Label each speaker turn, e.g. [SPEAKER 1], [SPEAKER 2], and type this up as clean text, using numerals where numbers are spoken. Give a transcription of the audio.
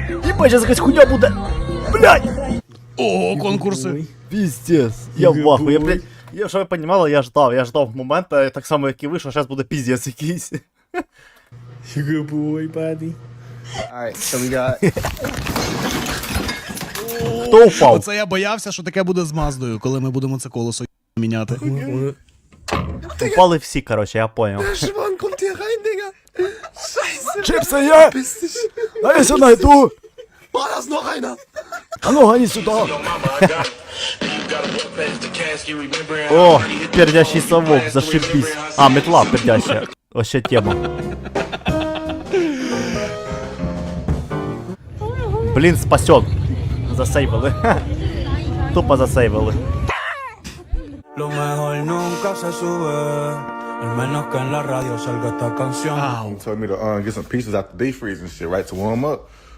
[SPEAKER 1] Ебать, сейчас якась хуйня буде. Блядь!
[SPEAKER 2] О, конкурси.
[SPEAKER 1] Пиздец. Я в ахуї, я, блядь. Я, щоб ви понімали, я ждав моменту, так само, як і ви, що зараз буде пиздец якийсь.
[SPEAKER 3] Good boy, buddy.
[SPEAKER 4] Alright, so we got...
[SPEAKER 1] Хто впав?
[SPEAKER 2] Оце я боявся, що таке буде з Маздою, коли ми будемо це колесо міняти.
[SPEAKER 1] Упали всі, короче, я понял.
[SPEAKER 4] Schwan, kommt hier rein, Digga! Scheiße!
[SPEAKER 1] Чипсы я!
[SPEAKER 4] Piss dich!
[SPEAKER 1] А я сюда найду!
[SPEAKER 4] Oh, da ist noch einer!
[SPEAKER 1] А ну гони сюда! О, пердящий совок, зашибись. А, метла пердящая. Вообще тема. Блин, спасет. Засейвили. Тупо засейвили.
[SPEAKER 5] Lo mejor nunca se sube, al menos que en la radio salga esta canción.
[SPEAKER 2] Ау.
[SPEAKER 6] Told me to get some pieces out the deep freeze and shit, right, to warm up.